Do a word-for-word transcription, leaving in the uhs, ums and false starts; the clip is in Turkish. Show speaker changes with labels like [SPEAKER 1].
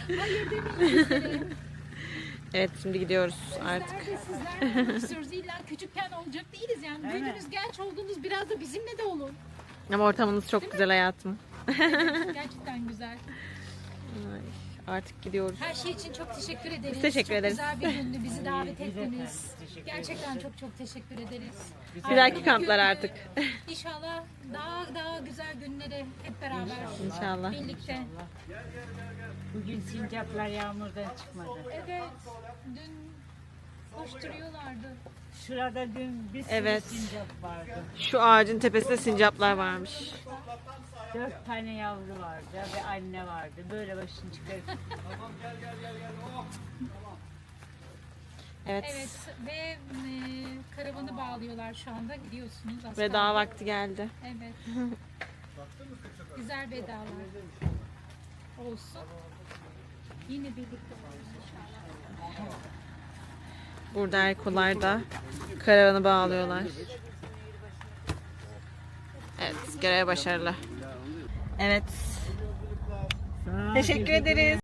[SPEAKER 1] Hayır demeyin.
[SPEAKER 2] Evet, şimdi gidiyoruz artık.
[SPEAKER 1] Bizler de sizler olmak istiyoruz. İlla küçükken olacak değiliz yani. Büyüdünüz, genç oldunuz, biraz da bizimle de olun.
[SPEAKER 2] Ama ortamınız çok güzel hayatım.
[SPEAKER 1] Evet, gerçekten güzel.
[SPEAKER 2] Ay, artık gidiyoruz.
[SPEAKER 1] Her şey için çok teşekkür ederiz.
[SPEAKER 2] Biz teşekkür
[SPEAKER 1] çok
[SPEAKER 2] ederiz.
[SPEAKER 1] güzel bir gündü bizi davet ettiniz. Gerçekten çok çok teşekkür ederiz.
[SPEAKER 2] Bir dahaki
[SPEAKER 1] Bugün,
[SPEAKER 2] kamplar
[SPEAKER 1] e,
[SPEAKER 2] artık.
[SPEAKER 1] İnşallah daha daha güzel günleri hep beraber.
[SPEAKER 2] İnşallah.
[SPEAKER 1] Birlikte.
[SPEAKER 3] Bugün sincaplar yağmurdan çıkmadı.
[SPEAKER 1] Evet. Dün koşturuyorlardı.
[SPEAKER 3] Şurada dün bir sürü
[SPEAKER 2] Evet.
[SPEAKER 3] sincap vardı.
[SPEAKER 2] Şu ağacın tepesinde sincaplar varmış.
[SPEAKER 3] Dört tane yavru vardı ve anne vardı. Böyle başını çıkarıp
[SPEAKER 2] Evet.
[SPEAKER 1] Evet ve e, karavanı bağlıyorlar şu anda gidiyorsunuz aslında.
[SPEAKER 2] Veda vakti geldi.
[SPEAKER 1] Evet. Güzel vedalar olsun. Yine birlikte oluruz inşallah.
[SPEAKER 2] Burada Erkolar da karavanı bağlıyorlar. Evet, görev başarılı. Evet. Teşekkür ederiz.